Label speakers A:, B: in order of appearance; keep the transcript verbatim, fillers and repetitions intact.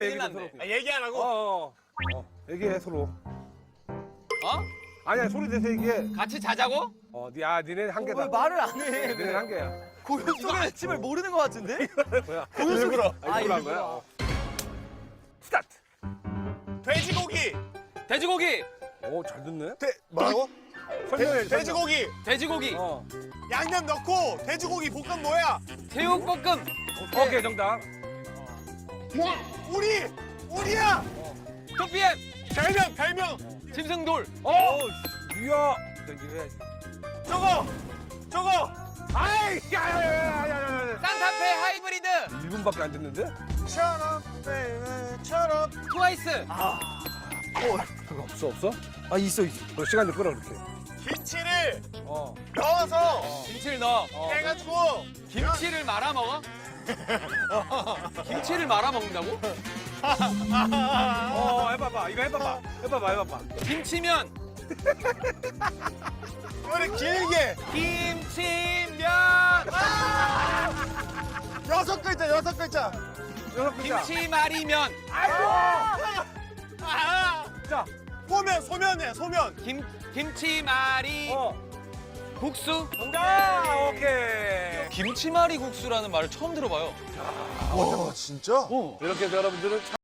A: 큰일
B: 얘기해,
A: 났네.
B: 서로.
C: 아, 얘기 안
B: 어,
C: 하고?
B: 어, 어. 얘기해 서로.
A: 어?
B: 아니야 소리 내서 얘기해.
A: 같이 자자고?
B: 어, 니, 아, 니네 한 개다.
D: 왜 말을 안 해?
B: 니네 한 개야.
D: 고요 속의 아침을 모르는 것 같은데?
B: 뭐야?
C: 일부러.
B: 아, 일부러 한
D: 일부러.
B: 거야? 어. 스타트.
C: 돼지고기!
A: 돼지고기,
B: 오, 잘 듣네.
C: 돼, 뭐라고?
B: 설명해.
C: 돼, 지고기
A: 돼지고기,
B: 어.
C: 양념 넣고 돼지고기 볶음 뭐야?
A: 새우볶음,
B: 오케이, 정답.
C: 우리! 우리야!
A: 투피엠,
C: 별명, 별명!
A: 짐승돌,
B: 어, 이야. 이거 해야지.
C: 저거! 저거!
B: 아이, 야, 야, 야, 야, 야, 야, 야.
A: 산타페 하이브리드,
B: 일 분밖에 안 됐는데?
C: 처럼, 베이비처럼.
A: 트와이스,
B: 그거 없어, 없어?
D: 아 있어 있어.
B: 너 시간 좀 끌어, 그렇게.
C: 김치를
B: 어.
C: 넣어서
A: 김치를 넣어.
C: 해가지고
A: 김치를 말아 먹어? 김치를 말아 먹는다고?
B: 어, 해봐봐. 이거 해봐봐. 해봐봐, 해봐봐.
A: 김치면,
C: 이거를 길게
A: 김치면,
C: 여섯 글자, 여섯 글자.
B: 여섯 글자.
A: 김치말이면,
B: 아이고!
C: 아!
B: 자,
C: 소면, 소면이야, 소면.
A: 김 김치말이
B: 어.
A: 국수?
B: 정답! 오케이.
A: 김치말이 국수라는 말을 처음 들어봐요.
C: 와, 진짜?
B: 이렇게 해서 여러분들은